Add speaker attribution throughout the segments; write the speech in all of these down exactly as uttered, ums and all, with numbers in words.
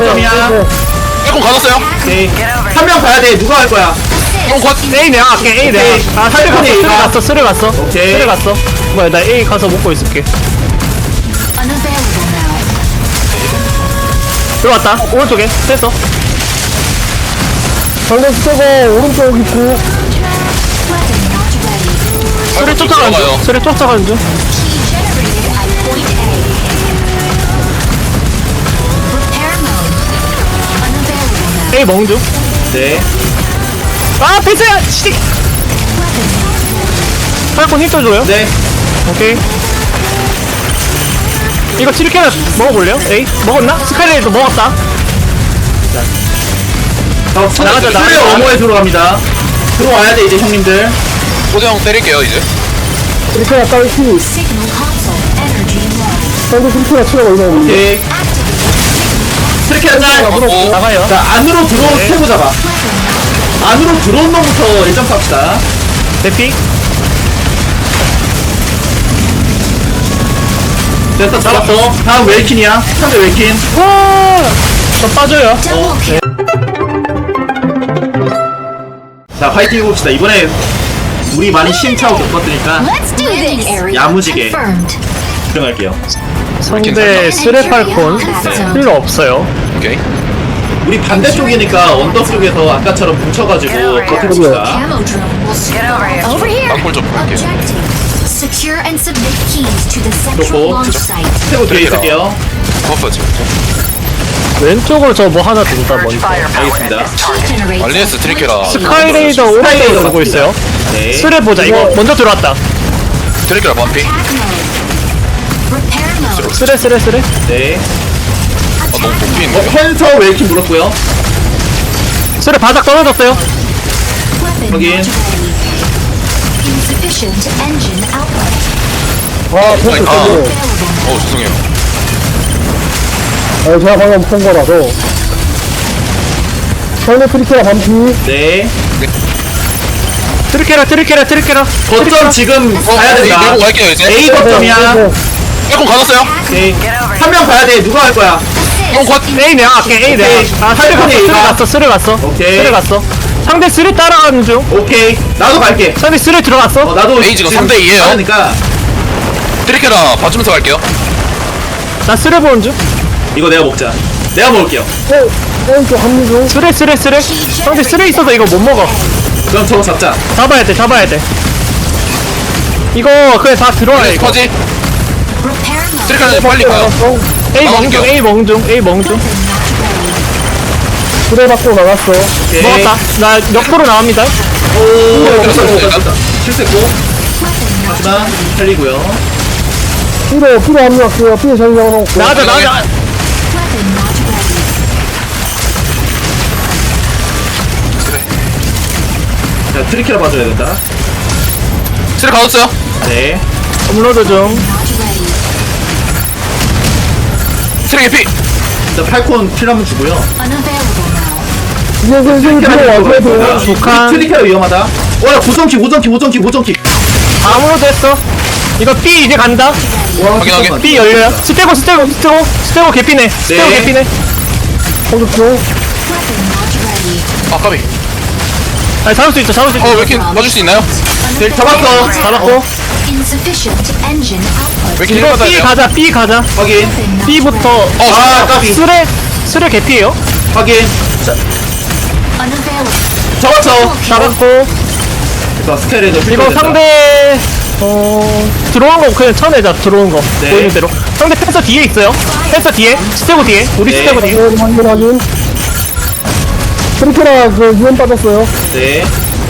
Speaker 1: 거점이야.
Speaker 2: 빼꼼 가졌어요.
Speaker 1: 오케이. 한 명 가야 돼. 누가 할 거야?
Speaker 2: 형 곧.
Speaker 3: A 내가 갈게. A 내가. 아 살려 갔어. 쓰레 갔어. 쓰레 갔어.
Speaker 1: 오케이.
Speaker 3: 쓰레 갔어. 뭐야 나 A 가서 먹고 있을게.
Speaker 4: Unavailable now.
Speaker 3: 들어왔다. 오른쪽에 됐어.
Speaker 5: 상대 스테고 오른쪽 있고
Speaker 4: Weapon not ready.
Speaker 3: 쓰레 쫓아가는 중. 쓰레 쫓아가는 중.
Speaker 4: Key generated at point A. Repair mode. Unavailable now.
Speaker 3: A 먹는 중.
Speaker 1: 네.
Speaker 3: 아 패스야. 씨.
Speaker 4: Weapon not ready.
Speaker 3: 팔콘 힘 줘줘요.
Speaker 1: 네.
Speaker 3: 오케이. 이거 칠캐나 먹어볼래요? 에이 먹었나? 스카이레이도 먹었다.
Speaker 1: 자,
Speaker 3: 나가자, 나가자.
Speaker 1: 플레이어 어머에 들어갑니다. 들어와야 돼 이제 형님들.
Speaker 2: 고대 형 때릴게요 이제.
Speaker 5: 트리케라 딸피
Speaker 4: Signal console. Energy low.
Speaker 5: 상대 트리케라 치료가 올라오는데
Speaker 1: 오케이. 트리케라 짤.
Speaker 2: 어.
Speaker 3: 나가요.
Speaker 1: 자 안으로 들어온
Speaker 3: 네.
Speaker 1: 스테고 잡아. 안으로 들어온 놈부터 일 점 쌉시다.
Speaker 3: 대피.
Speaker 1: 됐어 잡았어. 다음 웰킨이야. 상대 웰킨.
Speaker 3: 와. 저 빠져요.
Speaker 4: Double kill.
Speaker 1: 자 파이팅 해봅시다. 이번에 우리 많이 시행착오 겪었으니까
Speaker 4: Let's do this. Area
Speaker 1: 야무지게.
Speaker 4: confirmed.
Speaker 1: 들어갈게요.
Speaker 3: 상대 쓰레 팔콘 필요 없어요.
Speaker 2: 오케이.
Speaker 1: 우리 반대쪽이니까 언덕 쪽에서 아까처럼 뭉쳐가지고 버텨봅시다.
Speaker 4: Camo drone will swarm. Over here.
Speaker 2: 땅굴 좀 볼게요.
Speaker 4: Objective. Secure and submit keys to the central
Speaker 1: 좋고.
Speaker 4: launch site.
Speaker 1: 스테고 뒤에 있을게요.
Speaker 2: 버퍼 지금.
Speaker 3: 왼쪽으로 저 뭐 하나 둔다 먼저.
Speaker 1: 알겠습니다.
Speaker 4: Key generated.
Speaker 2: 알리에스 트리케라.
Speaker 3: 스카이레이더 오른쪽으로 돌고 있어요.
Speaker 1: 네.
Speaker 3: 쓰레 보자. 이거 먼저 들어왔다.
Speaker 2: 트리케라 반피.
Speaker 4: Attack mode. Repair mode.
Speaker 3: 쓰레 쓰레 쓰레.
Speaker 1: 네.
Speaker 2: 아 너무
Speaker 1: 어,
Speaker 2: 높이인데.
Speaker 1: 펜서 웰킨 물었고요.
Speaker 3: 쓰레 바닥 떨어졌어요.
Speaker 4: Weapon
Speaker 1: 확인.
Speaker 4: not ready. Insufficient engine output.
Speaker 5: 아 패스
Speaker 2: 아니, 아.
Speaker 5: 스테고
Speaker 4: Available.
Speaker 2: 어 죄송해요.
Speaker 5: 아 제가 방금 본 거라서 상대 트리케라 반피
Speaker 1: 네.
Speaker 3: 트리케라 트리케라 트리케라.
Speaker 1: 거점 지금
Speaker 2: 어,
Speaker 1: 가야
Speaker 2: A
Speaker 1: 된다.
Speaker 2: 밀고 갈게요 이제.
Speaker 1: A 거점이야.
Speaker 2: 빼꼼 가졌어요.
Speaker 1: 오케이. 한 명 가야 돼. 누가 할 거야?
Speaker 2: 형 곧.
Speaker 3: A 내가 갈게. A 내가.
Speaker 1: 오케이.
Speaker 3: 아 쓰레 갔어. 쓰레 갔어. 쓰레 갔어.
Speaker 1: 오케이.
Speaker 3: 쓰레 갔어. 상대 쓰레 따라가는 중.
Speaker 1: 오케이. 나도 갈게.
Speaker 3: 상대 쓰레 들어갔어.
Speaker 1: 어, 나도
Speaker 2: A 지금 삼 대 이예요.
Speaker 1: 그러니까
Speaker 2: 트리케라 봐주면서 갈게요.
Speaker 3: 나 쓰레 보는 중.
Speaker 1: 이거 내가 먹자. 내가 먹을게요.
Speaker 5: 오 오른쪽 합류 중
Speaker 3: 쓰레 쓰레 쓰레. 상대 쓰레 있어서 이거 못 먹어.
Speaker 1: 그럼 저거 잡자.
Speaker 3: 잡아야 돼. 잡아야 돼. 이거 그냥 다 들어와야 이거.
Speaker 2: 퍼지.
Speaker 4: Repair mode.
Speaker 2: 트리케라 빨리 가요.
Speaker 3: A
Speaker 2: 나갈게요.
Speaker 3: 멍중 A 멍중 A 멍중.
Speaker 4: Weapon not ready.
Speaker 5: 트레 받고 나갔어
Speaker 1: 오케이.
Speaker 3: 먹었다. 나 역도로 나옵니다.
Speaker 1: 오, 됐다, 됐다, 됐다. 실수했고.
Speaker 4: Weapon not
Speaker 1: 하지만
Speaker 4: ready.
Speaker 1: 살리고요.
Speaker 5: 피로 피로 합류할게요 피로 잘 잡아놓고
Speaker 3: 나가자 나가자.
Speaker 4: Weapon not ready.
Speaker 1: 자, 트리케라 봐줘야 된다.
Speaker 2: 트리 가졌어요.
Speaker 1: 네.
Speaker 3: 업로드 중.
Speaker 4: Not ready.
Speaker 2: 트리 개피.
Speaker 1: 자, 팔콘 킬 한번 주고요.
Speaker 4: Unavailable now.
Speaker 5: 이제 슬슬 들어와줘야 돼요
Speaker 3: 북한.
Speaker 1: 트리케라 위험하다. 와, 고정킥, 고정킥, 고정킥, 고정킥.
Speaker 3: 아무로도 했어. 이거 B 이제 간다.
Speaker 1: 와,
Speaker 2: 확인, 확인.
Speaker 1: 잠깐만.
Speaker 3: B 열려요. 스테고 스테고 스테고 스테고 개피네. 스테고
Speaker 1: 네.
Speaker 3: 개피네.
Speaker 5: 공격중
Speaker 4: Weapon not ready.
Speaker 2: 아 까비.
Speaker 3: 아니 잡을 수 있어 잡을 수 있어.
Speaker 2: 어 왜 이렇게 맞을 수 있나요?
Speaker 1: 네, 잡았어.
Speaker 3: 잡았고.
Speaker 4: Insufficient engine output.
Speaker 2: 왜 이렇게
Speaker 3: 이거
Speaker 2: 힐
Speaker 3: B
Speaker 2: 받아야 돼요?
Speaker 3: 가자 B 가자.
Speaker 1: 확인,
Speaker 3: B부터.
Speaker 2: 어
Speaker 1: 아, 까비.
Speaker 3: 쓰레 쓰레 개피예요.
Speaker 1: 확인. 자,
Speaker 4: Unavailable.
Speaker 1: 잡았어.
Speaker 3: 잡았고.
Speaker 1: 자, 스케일에도
Speaker 3: 이거 상대 어 들어온 거 그냥 쳐내자. 들어온 거
Speaker 1: 네.
Speaker 3: 보이는 대로. 상대 펜서 뒤에 있어요. 펜서 뒤에 스테고 뒤에 우리
Speaker 1: 네.
Speaker 3: 스테고 뒤에.
Speaker 5: 네 확인 확인 트리케라 그 유언 빠졌어요
Speaker 1: 네.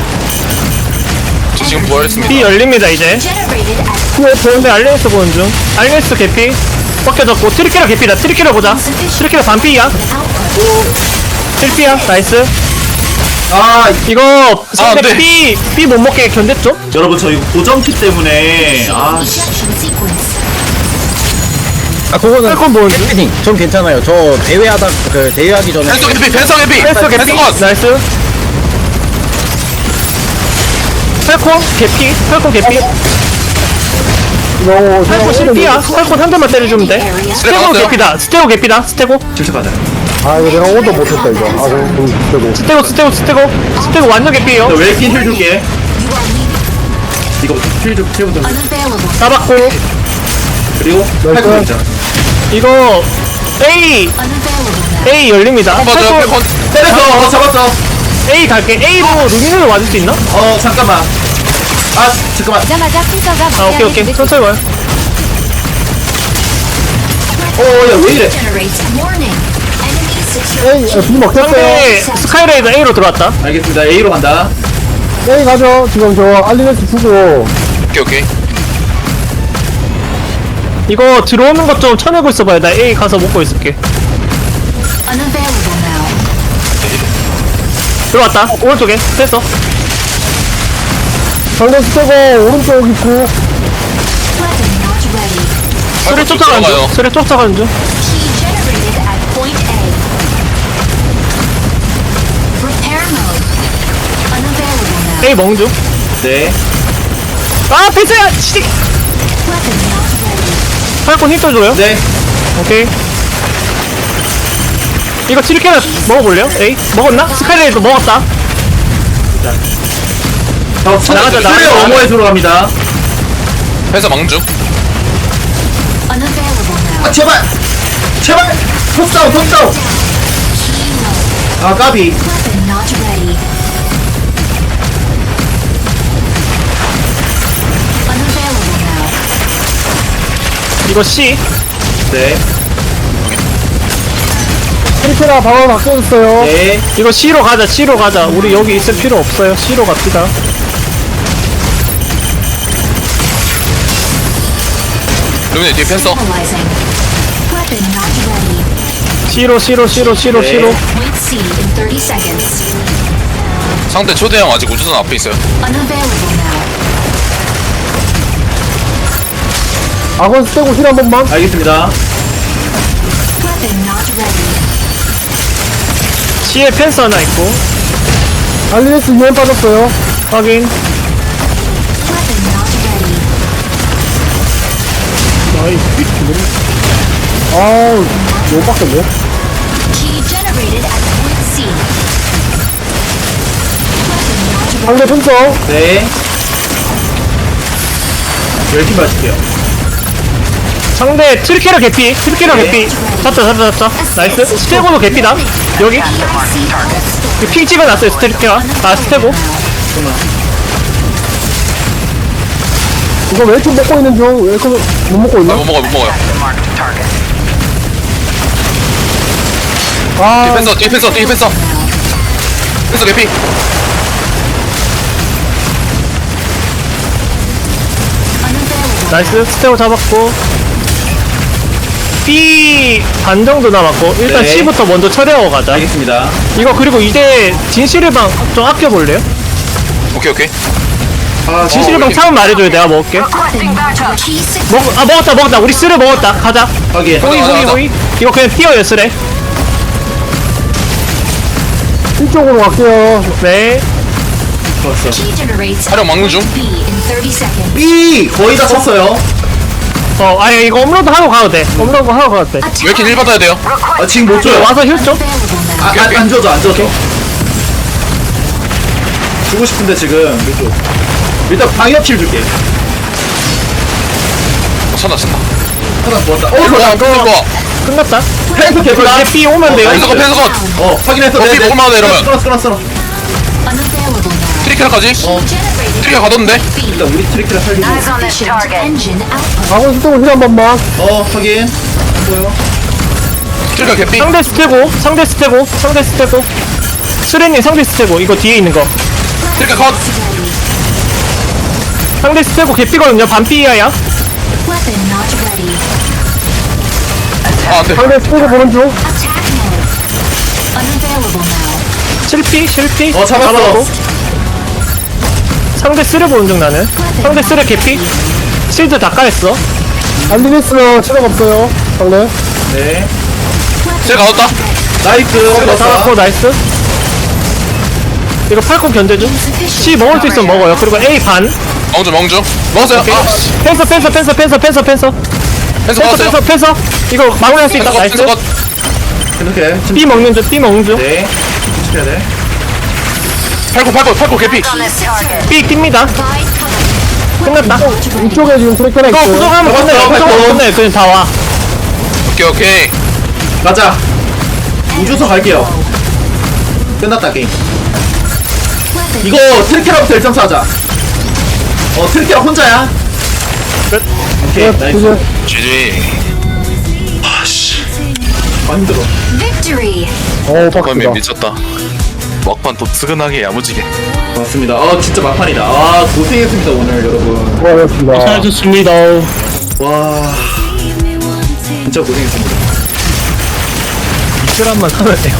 Speaker 2: 저 지금 부활했습니다.
Speaker 3: B 열립니다 이제.
Speaker 4: Generated at
Speaker 5: 피에
Speaker 3: 근데 알리에스 보는 중. 알리에스 개피. 벗겨졌고 트리케라 개피다. 트리케라 보자. 트리케라 반피야.
Speaker 4: output.
Speaker 3: 실피야. 나이스.
Speaker 1: 아,
Speaker 3: 이거 상대
Speaker 2: 안 돼.
Speaker 3: B B 못 먹게 견뎠죠?
Speaker 1: 여러분, 저 이거 고정킥 때문에. 아,
Speaker 4: Ejection sequence.
Speaker 6: 아 그거는
Speaker 3: 펠콘 보는 중.
Speaker 6: 캐스팅 전 괜찮아요. 저 대회하다 그 대회하기 전에
Speaker 2: 펜서 개피. 펜서 개피.
Speaker 3: 펜서 개피.
Speaker 2: 펜서 컷.
Speaker 3: 나이스. 펠콘 개피. 펠콘 개피.
Speaker 5: 이거
Speaker 3: 펠콘 실피야. 펠콘 한 대만 때려주면 돼. 스테고
Speaker 2: 나왔어요.
Speaker 3: 개피다. 스테고 개피다. 스테고.
Speaker 1: 질척하자.
Speaker 5: 아 이거 내가 오도 못했다 이거. 아 그럼 되고.
Speaker 3: 스테고 스테고 스테고 스테고 완전 개피에요.
Speaker 1: 나 웰킨 힐 줄게. 이거 힐좀 힐좀 좀.
Speaker 4: Unavailable.
Speaker 3: 잡았고
Speaker 1: 그리고 팔고 있자.
Speaker 3: 이거 A
Speaker 4: Unavailable now.
Speaker 3: A 열립니다.
Speaker 2: 한 번 더,
Speaker 3: 팔콘
Speaker 2: 한
Speaker 1: 때렸어. 어 잡았어.
Speaker 3: A 갈게. A로 루미노를 와줄 수 있나?
Speaker 1: 어 잠깐만. 아 잠깐만.
Speaker 4: 오자마자 순서가
Speaker 3: 아 오케이 오케이 천천히 와요.
Speaker 1: 어야왜 이래?
Speaker 4: Generate warning. Enemy secure.
Speaker 5: 에이 아, B 먹혔어요.
Speaker 3: 상대 스카이레이더 A로 들어왔다.
Speaker 1: 알겠습니다. A로 간다.
Speaker 5: 에이 가죠. 지금 저 알리네스 주고.
Speaker 2: 오케이 오케이.
Speaker 3: 이거 들어오는 것 좀 쳐내고 있어봐요. 나 A 가서 먹고 있을게.
Speaker 4: Unavailable now.
Speaker 3: 들어왔다. 오른쪽에 됐어.
Speaker 5: 상대 스테고 오른쪽 있고.
Speaker 4: Weapon not ready.
Speaker 3: 수레 쫓아가는
Speaker 2: 들어가요.
Speaker 3: 중. 수레 쫓아가는 중.
Speaker 4: Key generated at point A. Repair mode. Unavailable now.
Speaker 3: A 먹는 중.
Speaker 1: 네.
Speaker 3: 아 패스야. 씨.
Speaker 4: Weapon not ready.
Speaker 3: 팔콘 힘 떠줘요.
Speaker 1: 네.
Speaker 3: 오케이. 이거 칠캐나 먹어볼래요? 에이 먹었나? 스카이레이더 먹었다.
Speaker 1: 자,
Speaker 3: 나가자,
Speaker 1: 소리
Speaker 3: 나가자.
Speaker 1: 어머에 들어갑니다.
Speaker 2: 회사 망중.
Speaker 4: Unavailable now.
Speaker 1: 아 제발. 제발. 톱다운 톱다운.
Speaker 4: Key mode.
Speaker 1: 아 까비.
Speaker 4: Weapon not ready. Unavailable now.
Speaker 3: 이거 C.
Speaker 1: 네.
Speaker 5: 트리케라 방어 바뀌어졌어요.
Speaker 1: 네.
Speaker 3: 이거 C로 가자. C로 가자. 우리 여기 있을 필요 없어요. C로 갑시다.
Speaker 2: 루미네 뒤에 펜서.
Speaker 4: Stabilizing. Weapon not ready.
Speaker 3: C로 C로 C로 C로
Speaker 1: 네.
Speaker 3: C로.
Speaker 4: Point C in thirty seconds.
Speaker 2: 상대 초대형 아직 우주선 앞에 있어요.
Speaker 4: Unavailable now.
Speaker 5: 악원 스테고 힐 한 번만.
Speaker 1: 알겠습니다.
Speaker 4: Weapon not ready.
Speaker 3: C에 펜스 하나 있고.
Speaker 5: 알리네스 유엔 빠졌어요.
Speaker 3: 확인.
Speaker 4: Weapon not ready.
Speaker 5: 아우 너무 빡센데.
Speaker 4: Key generated at point C. Weapon not ready.
Speaker 5: 상대 펜서.
Speaker 1: 네. 웰킨 맞을게요.
Speaker 3: 상대 트리케라 개피. 트리케라
Speaker 1: 네.
Speaker 3: 개피. 잡자 잡자 잡자. 나이스. 스테고도 개피다. 여기.
Speaker 4: P I C all
Speaker 3: 핑 찍어놨어요. 스테리케라. 아 스테고.
Speaker 5: 이거 웰킨 먹고 있는 중. 웰킨 못 먹고
Speaker 2: 아,
Speaker 5: 있나?
Speaker 2: 못 먹어요 못 먹어요. 뒤에
Speaker 5: 아
Speaker 2: 펜서 뒤에 펜서 뒤에 펜서. 펜서 개피.
Speaker 4: unavailable.
Speaker 3: 나이스. 스테고 잡았고. B 반 정도 남았고 일단
Speaker 1: 네.
Speaker 3: C부터 먼저 처리하고 가자.
Speaker 1: 알겠습니다.
Speaker 3: 이거 그리고 이제 진실의방 좀 아껴볼래요?
Speaker 2: 오케이 오케이.
Speaker 1: 아
Speaker 3: 진실의방 차면 말해줘요. 내가 먹을게.
Speaker 4: Weapon not ready. Key six.
Speaker 3: 먹, 아 먹었다 먹었다. 우리 쓰레 먹었다. 가자.
Speaker 1: 확인.
Speaker 3: 호이
Speaker 2: 가자,
Speaker 3: 호이
Speaker 2: 가자.
Speaker 3: 호이. 이거 그냥 뛰어요 쓰레.
Speaker 5: 이쪽으로 갈게요.
Speaker 3: 네.
Speaker 1: 좋았어.
Speaker 4: Key generates
Speaker 2: 촬영 막는 중.
Speaker 4: B in thirty seconds.
Speaker 1: B 거의 다 쳤어요.
Speaker 3: 어 아니 이거 업로드 하고 가도 돼. 업로드 하고 가도 돼.
Speaker 2: 왜 이렇게 일 받아야 돼요?
Speaker 1: 아 지금 못 줘요.
Speaker 3: 와서 힐 좀.
Speaker 4: Unavailable now.
Speaker 1: 아, 안, 안 줘도 안 줘도. 주고 싶은데 지금 이쪽. 일단 방역킬 줄게.
Speaker 2: 어, 찬다 찬다.
Speaker 1: 하나 부었다. 어,
Speaker 2: 펜서
Speaker 1: 좋아.
Speaker 2: 펜서 거.
Speaker 3: 끝났다.
Speaker 1: 펜스 개뿔.
Speaker 3: 이제 B 오면 돼요.
Speaker 2: 펜서 거 펜서 거.
Speaker 1: 어, 확인했어.
Speaker 2: 어, B 먹을만 하네, 이러면.
Speaker 1: 끊었어, 끊었어, 끊었어.
Speaker 4: Unavailable now.
Speaker 2: 트리케라까지.
Speaker 4: Key generated
Speaker 2: 트리케라 가뒀는데.
Speaker 4: B.
Speaker 1: 일단 우리 트리키를 살리고.
Speaker 4: Insufficient engine output.
Speaker 5: 악원 스테고 힐 한 번만.
Speaker 1: 어, 확인. 안 보여.
Speaker 2: 트리케라 개피.
Speaker 3: 상대 스테고. 상대 스테고. 상대 스테고. 수레님 상대 스테고. 이거 뒤에 있는 거.
Speaker 2: 트리케라 컷.
Speaker 3: 상대 스테고 개피거든요. 반피야야.
Speaker 4: Weapon not ready.
Speaker 2: 아 안돼.
Speaker 5: 상대 스테고 보는 중.
Speaker 4: Attack mode. Unavailable now.
Speaker 3: 실피 실피.
Speaker 1: 어, 잡았어.
Speaker 3: 잡았고. 상대 쓰레 보는 중 나는. 상대 쓰레 개피. 실드 다 까였어.
Speaker 5: 알리네스는 체력 없어요. 상대.
Speaker 1: 네.
Speaker 2: 쟤 가뒀다.
Speaker 1: 나이스.
Speaker 3: 이거
Speaker 1: 잡았어.
Speaker 3: 잡았고 나이스. 이거 팔콘 견제중. C 먹을 수 있으면 먹어요. 그리고 A 반.
Speaker 2: 멍주 멍주. 먹었어요.
Speaker 3: 오케이.
Speaker 2: 아
Speaker 3: 펜서 펜서 펜서 펜서 펜서 펜서
Speaker 2: 펜서
Speaker 3: 펜서
Speaker 2: 먹었어요.
Speaker 3: 펜서 펜서. 이거 마무리할 수 있다.
Speaker 2: 펜서 컷
Speaker 3: 나이스.
Speaker 2: 펜서 컷.
Speaker 1: 이렇게.
Speaker 3: B 먹는 중 B 먹는 중
Speaker 1: 네. 지켜야 돼.
Speaker 2: 팔고 팔고 팔고 개피.
Speaker 3: B 낍니다 끝났다
Speaker 5: 이쪽에 지금 트래커나
Speaker 3: 이거
Speaker 5: 있어요.
Speaker 3: 부정하면 끝내
Speaker 1: 잡았어,
Speaker 3: 부정하면
Speaker 1: 잡았어.
Speaker 3: 끝내 그냥 다와
Speaker 2: 오케이 오케이.
Speaker 1: 가자. 우주선 갈게요. 끝났다 게임. 이거 트리케라부터 일 점 하자. 어 트리케라 혼자야.
Speaker 3: 끝.
Speaker 1: 오케이
Speaker 5: 네,
Speaker 1: 나이스.
Speaker 5: 이제
Speaker 2: 지지. 아씨.
Speaker 1: 아 힘들어.
Speaker 4: Victory.
Speaker 5: 어우
Speaker 2: 도파민
Speaker 5: 빡세다.
Speaker 2: 미쳤다. 막판 또 뜨근하게 야무지게.
Speaker 1: 맞습니다. 아 진짜 막판이다. 아 고생했습니다 오늘 여러분.
Speaker 5: 수고하셨습니다.
Speaker 3: 잘하셨습니다
Speaker 1: 와 진짜 고생했습니다.
Speaker 3: 이틀한만 하면 돼요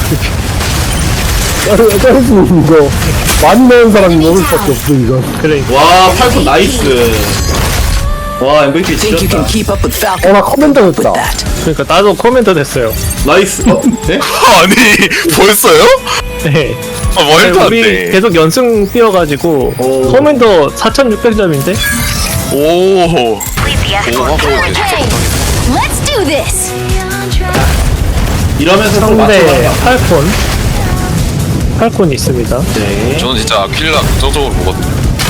Speaker 5: 짜릿이 이거 많이 넣은 사람이 먹을 수밖에 없어 이거.
Speaker 3: 그래
Speaker 1: 와 팔콘 나이스. 와 엠브이피
Speaker 7: Think you can
Speaker 1: 지렸다.
Speaker 7: keep up with Falcon
Speaker 5: 어나 커맨더 됐다.
Speaker 7: that?
Speaker 3: 그러니까 나도 코멘터 됐어요
Speaker 1: 나이스. 어? 네?
Speaker 2: 아니 벌써요?
Speaker 3: 네
Speaker 2: 아 말도 안
Speaker 3: 우리
Speaker 2: 돼.
Speaker 3: 계속 연승 뛰어가지고
Speaker 1: 오.
Speaker 3: 코멘터 사천육백 점인데
Speaker 2: 오. 오.
Speaker 4: Okay. Let's do this.
Speaker 1: 이러면서 또
Speaker 3: 상대
Speaker 1: 맞춰봐.
Speaker 3: 팔콘 팔콘이 있습니다
Speaker 1: 네.
Speaker 2: 저는 진짜 킬라 긍정적으로 보거든요.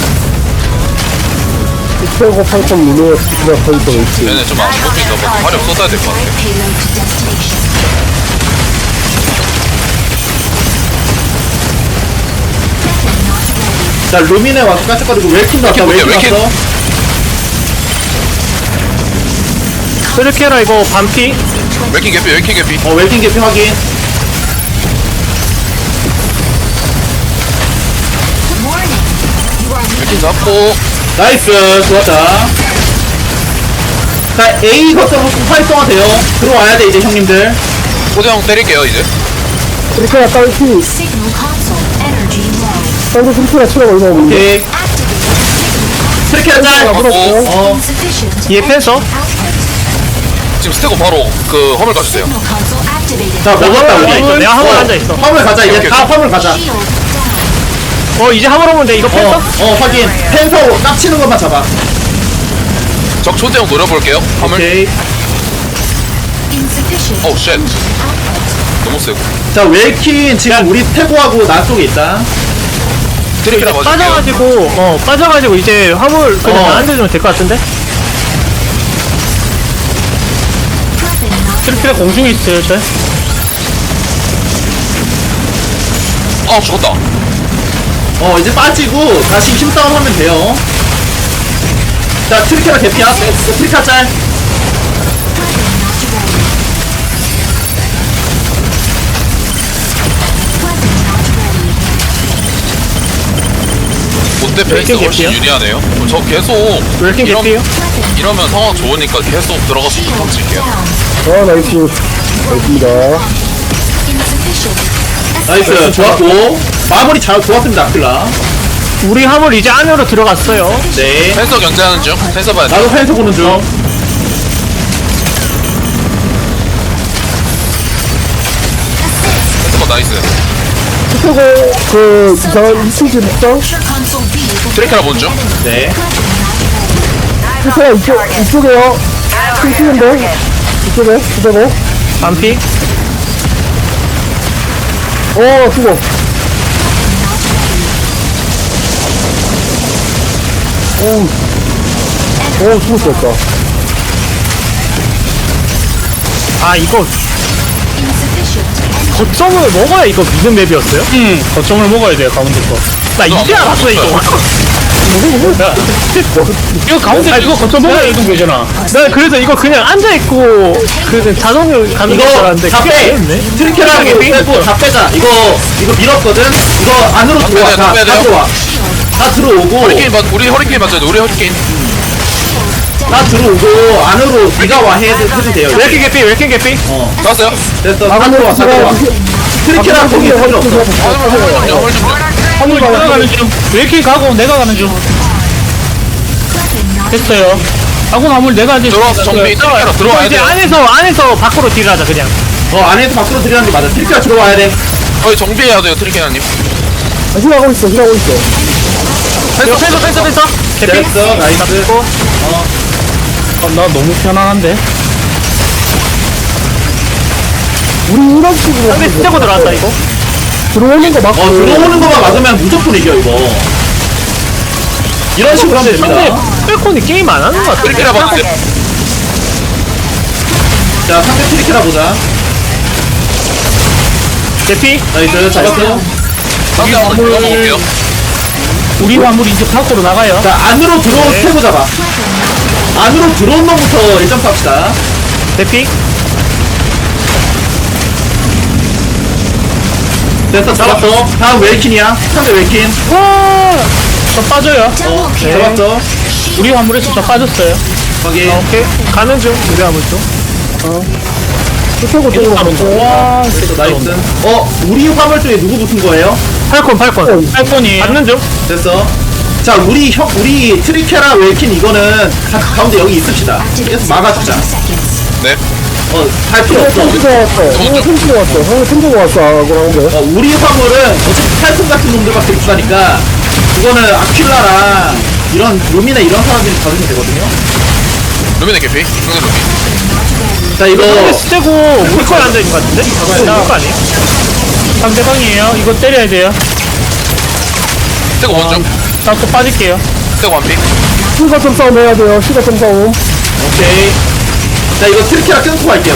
Speaker 5: 최고 팔콘 유니버시티가 서있어 있지.
Speaker 2: 얘네 좀 안 뽑힌다 봐. 화력 쏟아야 될 것 같아.
Speaker 4: Payload to destination.
Speaker 1: 자 루미네 와서 깜짝거리고 웰킨 나왔다.
Speaker 2: 웰킨
Speaker 1: 웰킨
Speaker 2: 볼게요,
Speaker 1: 왔어.
Speaker 3: 쓰르케라 이거 반피
Speaker 2: 웨킹 개피 웨킹 개피.
Speaker 1: 어 웰킨 개피 확인.
Speaker 4: Warning. You are
Speaker 2: 웨킹 잡고.
Speaker 1: 나이스 좋았다. 자 A 거점 활성화돼요. 들어와야 돼 이제 형님들.
Speaker 2: 호재형 때릴게요 이제.
Speaker 5: 트래커나 딸피.
Speaker 4: signal console energy low.
Speaker 5: 딸도 트래커나 치라고 이거 먹는데.
Speaker 1: 오케이.
Speaker 4: Activate
Speaker 1: 트리케라 짤.
Speaker 2: 어.
Speaker 1: 어.
Speaker 4: insufficient.
Speaker 3: 얘 펜서
Speaker 4: Output.
Speaker 2: 지금 스테고 바로 그 허물 가주세요.
Speaker 4: Signal console activated.
Speaker 1: 자 먹었다
Speaker 3: 화물
Speaker 1: 우리.
Speaker 3: 앉아있어. 내가 화물 앉아있어.
Speaker 1: 화물 가자 이제
Speaker 2: 오케이,
Speaker 1: 다
Speaker 2: 오케이.
Speaker 1: 화물 가자.
Speaker 4: Shield down.
Speaker 3: 어 이제 화물 오면 돼 이거
Speaker 1: 어,
Speaker 3: 펜서?
Speaker 1: 어 확인. 펜서 깝치는 것만 잡아.
Speaker 2: 적 초대형 노려볼게요. 화물.
Speaker 1: 오케이.
Speaker 4: Insufficient.
Speaker 2: 오 쉣. 너무 세고.
Speaker 1: 자 웰킨 지금 우리 태고하고 나 쪽에 있다.
Speaker 2: 트리케라 봐줄게요.
Speaker 3: 빠져가지고 어 빠져가지고 이제 화물 그냥
Speaker 1: 어.
Speaker 3: 나한테 주면 될 것 같은데?
Speaker 4: Weapon not
Speaker 3: 쓰르케라 공중에 있어요 저
Speaker 2: 아 죽었다.
Speaker 1: 어 이제 빠지고 다시 힘싸움 하면 돼요. 자 트리케라 개피야. 트리케라 짤.
Speaker 2: 롯데 페이스
Speaker 3: 웨킹
Speaker 2: 훨씬
Speaker 3: 개피요?
Speaker 2: 유리하네요. 그럼 저 계속
Speaker 3: 왜 이렇게
Speaker 2: 이런-
Speaker 3: 개피요?
Speaker 2: 이러면 상황 좋으니까 계속 들어가서
Speaker 4: shield
Speaker 2: 던질게요.
Speaker 4: down.
Speaker 5: 아 나이스. 나이스입니다.
Speaker 4: Insufficient.
Speaker 1: 나이스 좋았고 마무리 잘 좋았습니다 아킬라.
Speaker 3: 우리 화물 이제 안으로 들어갔어요
Speaker 1: 네.
Speaker 2: 펜서 견제하는 중. 펜서 봐야 돼.
Speaker 1: 나도 펜서 보는 중.
Speaker 2: 펜서 봐 나이스.
Speaker 5: 최고 그 이상한 이층 집 먹장.
Speaker 4: Pressure console B. will
Speaker 2: 트리케라 보는 중.
Speaker 1: 네.
Speaker 5: 트래커나 이쪽 이쪽에요. 층 치는데 이쪽에 그대로.
Speaker 3: 반피
Speaker 5: 어 죽어. 오우. 오 죽었었다.
Speaker 3: 아 이거
Speaker 4: insufficient.
Speaker 3: 거점을 먹어야 이거 미는 맵이었어요? 응 거점을 먹어야 돼요 가운데 거나 이제
Speaker 2: 안
Speaker 3: 알았어 이거
Speaker 2: 먹었어요.
Speaker 3: 이거 가운데 이거 거점 먹어야 이동 되잖아 나 그래서 이거 그냥 앉아있고 그 자동으로 가는 줄
Speaker 1: 이거
Speaker 3: 알았는데
Speaker 1: 다
Speaker 3: 그게
Speaker 1: 빼.
Speaker 3: 아니었네
Speaker 1: 트리케라하고 빼고 다 빼자. 이거 이거 밀었거든. 이거 안으로 들어와.
Speaker 2: 빼야 돼,
Speaker 1: 다,
Speaker 2: 빼야
Speaker 1: 다
Speaker 2: 돼요.
Speaker 1: 들어와. 다 들어오고.
Speaker 2: 허리케인 맞 우리 허리케인 맞아야 돼. 우리 허리케인.
Speaker 1: 다 들어오고 안으로 네가 와 해도 해도 돼요.
Speaker 3: 왜 이렇게 개피 왜 이렇게 개피?
Speaker 1: 어.
Speaker 2: 나왔어요?
Speaker 1: 됐어. 다 들어와. 다 들어와. 트리케라 거기 필요 없어.
Speaker 2: 화물 화물 좀 화물 좀.
Speaker 3: 화물 내가 가는 중왜 이렇게 가고 내가 가는 중 됐어요 하고 화물 내가 이제
Speaker 2: 들어와서 정비 트리케라 들어와야
Speaker 3: 이제
Speaker 2: 돼요.
Speaker 3: 안에서 안에서 밖으로 딜하자 그냥
Speaker 1: 어 안에서 밖으로 들어가는 게 맞아. 트리케라 들어와야 돼.
Speaker 2: 거의 정비해야 돼요 트리케라님.
Speaker 5: 아, 힐하고 있어 힐하고 있어.
Speaker 3: 이거 펜서 펜서 펜서 개피
Speaker 1: 됐어. 나이스.
Speaker 3: 어, 나 너무 편안한데
Speaker 5: 우리 이런 식으로
Speaker 3: 상대 스테고 들어왔다 이거.
Speaker 5: 들어오는 거 맞고
Speaker 1: 어 들어오는 거만 막으면 무조건 이겨 이거. 이런 식으로 하면
Speaker 3: 상대
Speaker 1: 됩니다.
Speaker 3: 펠콘이 게임 안 하는 것 같아.
Speaker 2: 트리케라 봤어요.
Speaker 1: 자 상대 트리케라 보자.
Speaker 3: 대피.
Speaker 1: 나이스 잡았어.
Speaker 2: 상대 한번 들어볼게요.
Speaker 3: 우리 화물이 이제 밖으로 나가요.
Speaker 1: 자 안으로 들어온
Speaker 3: 네.
Speaker 1: 스테고 잡아. 안으로 들어온 놈부터 일 점 쌉시다.
Speaker 3: 대피.
Speaker 1: 됐어 잡았어. 다음 웰킨이야. 상대 웰킨.
Speaker 3: 와. 저 빠져요.
Speaker 4: Double
Speaker 1: 어
Speaker 4: kill.
Speaker 1: 잡았어.
Speaker 3: 우리 화물에서 저 빠졌어요.
Speaker 1: 거기.
Speaker 3: 아, 오케이. 가는 중. 우리 화물 쪽.
Speaker 5: 스테고 쪽으로
Speaker 3: 가는 중.
Speaker 5: 가고
Speaker 3: 와.
Speaker 1: 됐어 나이스. 어 우리 화물 쪽에 누구 붙은 거예요?
Speaker 3: 팔콘 팔콘. 팔콘이. 받는 중.
Speaker 1: 됐어. 자 우리 형 우리 트리케라 웰킨 이거는 가, 가운데 여기 있읍시다. 계속 막아주자.
Speaker 4: seconds.
Speaker 2: 네.
Speaker 1: 어할 필요 없어.
Speaker 5: 템치고 왔어 형이 템치고 왔어 형이 템치고 왔어 그러는데
Speaker 1: 어, 우리 화물은 어차피 탈콘 같은 놈들밖에 없으니까 그거는 아퀴라랑 이런 루미나 이런 사람들이 받으면 되거든요.
Speaker 2: 루미네 개피. 상대 루미.
Speaker 1: 자 이거
Speaker 3: 상대 스테고 물거에 앉아있는 것 같은데? 이거 물거 아니에요? 상대방이에요. 이거 때려야 돼요.
Speaker 2: 스테고 먼저.
Speaker 3: 나또 빠질게요.
Speaker 2: 스테고 완피.
Speaker 5: 시가점 싸움 해야 돼요 시가점 싸움
Speaker 1: 오케이. 자 이거 트리케라 끊고 갈게요.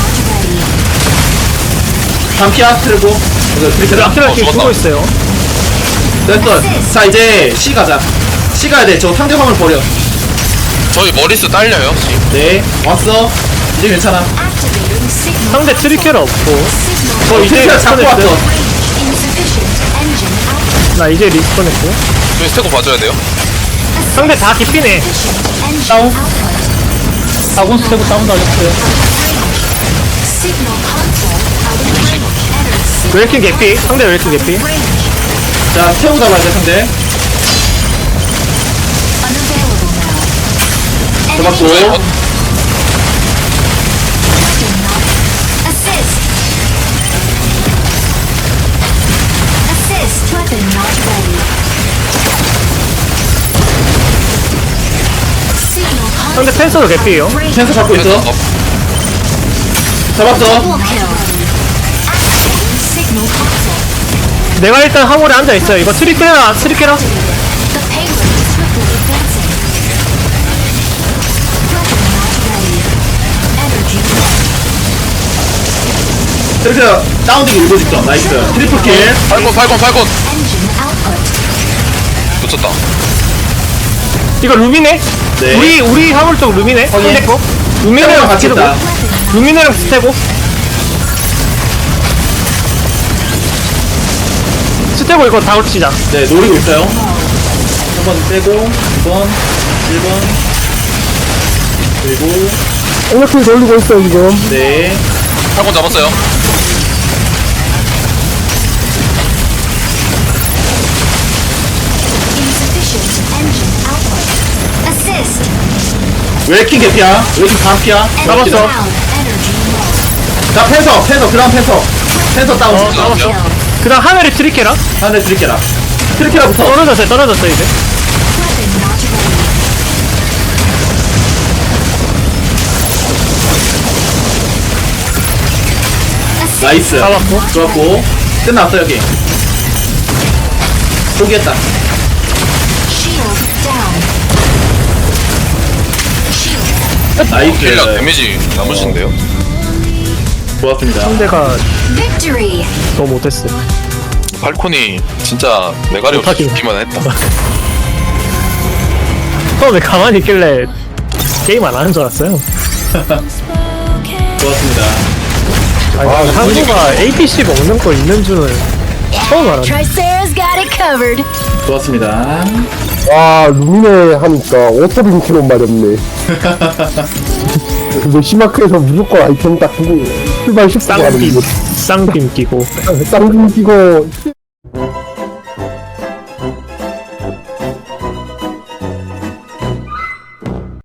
Speaker 1: 반피아 트리고 이거 트리케라
Speaker 3: 아키라
Speaker 2: 어,
Speaker 3: 키
Speaker 2: 죽었다.
Speaker 3: 죽어 있어요.
Speaker 1: 됐어. 자 이제 C 가자. C 가야 돼. 저 상대 화물 버려.
Speaker 2: 저희 머리스 딸려요. 지금.
Speaker 1: 네 왔어. 이제 괜찮아.
Speaker 4: Activating signal.
Speaker 3: 상대 트리케라 없고.
Speaker 4: Signal.
Speaker 1: 어
Speaker 3: 이제
Speaker 1: 트리케라 잡고
Speaker 3: 리스폰했어요.
Speaker 1: 왔어.
Speaker 4: Insufficient engine output.
Speaker 3: 나 이제 리스폰 했고.
Speaker 2: 저희 스테고 봐줘야 돼요.
Speaker 3: 상대 다 깊이네.
Speaker 4: Insufficient engine
Speaker 3: Down.
Speaker 4: output.
Speaker 3: 아군 스테고 다운 당했어요.
Speaker 4: Signal console out of range. Enter
Speaker 3: 웰킨 개피. 상대 웰킨 개피.
Speaker 4: range.
Speaker 1: 자 태우 잡아야 돼 상대.
Speaker 4: Unavailable now.
Speaker 1: 잡았고.
Speaker 2: 저희
Speaker 4: Enemy
Speaker 2: 버-
Speaker 4: weapon not. Assist. Assist. Weapon not ready. Signal console.
Speaker 3: 상대 펜서도 개피예요.
Speaker 1: 펜서 잡고 있어.
Speaker 2: 어,
Speaker 1: 잡았어.
Speaker 4: Double kill. Activating signal console.
Speaker 3: 내가 일단 화물에 앉아 있어요. 이거 트리케라, 트리케라.
Speaker 4: The payload is swiftly advancing. Weapon not ready. Energy low.
Speaker 1: 트리케라 다운되기 일보 직전. 나이스. 트리플 킬.
Speaker 2: 팔콘 팔콘 팔콘.
Speaker 4: Engine output.
Speaker 2: 놓쳤다.
Speaker 3: 이거 루미네?
Speaker 1: 네.
Speaker 3: 우리, 우리 화물 쪽 루미네? 상대 거?
Speaker 1: 태우랑
Speaker 3: 루미네랑
Speaker 1: 같이
Speaker 3: 스테고.
Speaker 1: 있다.
Speaker 3: 루미네랑 스테고. 스테고 이거 다 훔치자.
Speaker 1: 네 노리고 있어요. 한 번 빼고 이 번 일 번 그리고
Speaker 5: 엘렉트를 돌리고 있어 지금
Speaker 1: 네.
Speaker 2: 팔콘 잡았어요.
Speaker 4: Insufficient engine output. Assist.
Speaker 1: 웰킨 개피야. 웰킨 반피야.
Speaker 3: 잡았어.
Speaker 4: Down. Energy low.
Speaker 1: 자 펜서 펜서 그다음 펜서. 펜서 다운.
Speaker 3: 어, 잡았어. 그 다음 하늘이 트리케라?
Speaker 1: 하늘 트리케라. 트리케라부터.
Speaker 3: 떨어졌어요, 떨어졌어요, 이제.
Speaker 4: Weapon not ready. Assist.
Speaker 1: 나이스.
Speaker 3: 잡았고.
Speaker 1: 좋았고. 끝났어 여기. 포기했다.
Speaker 4: Shield down. Shield.
Speaker 1: 나이스.
Speaker 2: 킬량 데미지 남으신데요.
Speaker 1: 좋았습니다.
Speaker 3: 상대가
Speaker 4: Victory.
Speaker 3: 너무 못했어.
Speaker 2: 팔콘이 진짜 메가리 없이
Speaker 3: 못하긴.
Speaker 2: 죽기만 했다.
Speaker 3: 처음에 가만히 있길래 게임 안 하는 줄 알았어요.
Speaker 1: 좋았습니다.
Speaker 3: 아니, 한국가 에이피씨 먹는 거 있는 줄은 처음 알았네.
Speaker 4: Tricera's got it covered.
Speaker 1: 좋았습니다.
Speaker 5: 와 루미네 하니까 오토빈 키론 말이었네 근데 시마크에서 무조건 아이템 딱 두고 출발 십분 하는
Speaker 3: 쌍빔,
Speaker 5: 거
Speaker 3: 쌍빔 끼고.
Speaker 5: 쌍둥 끼고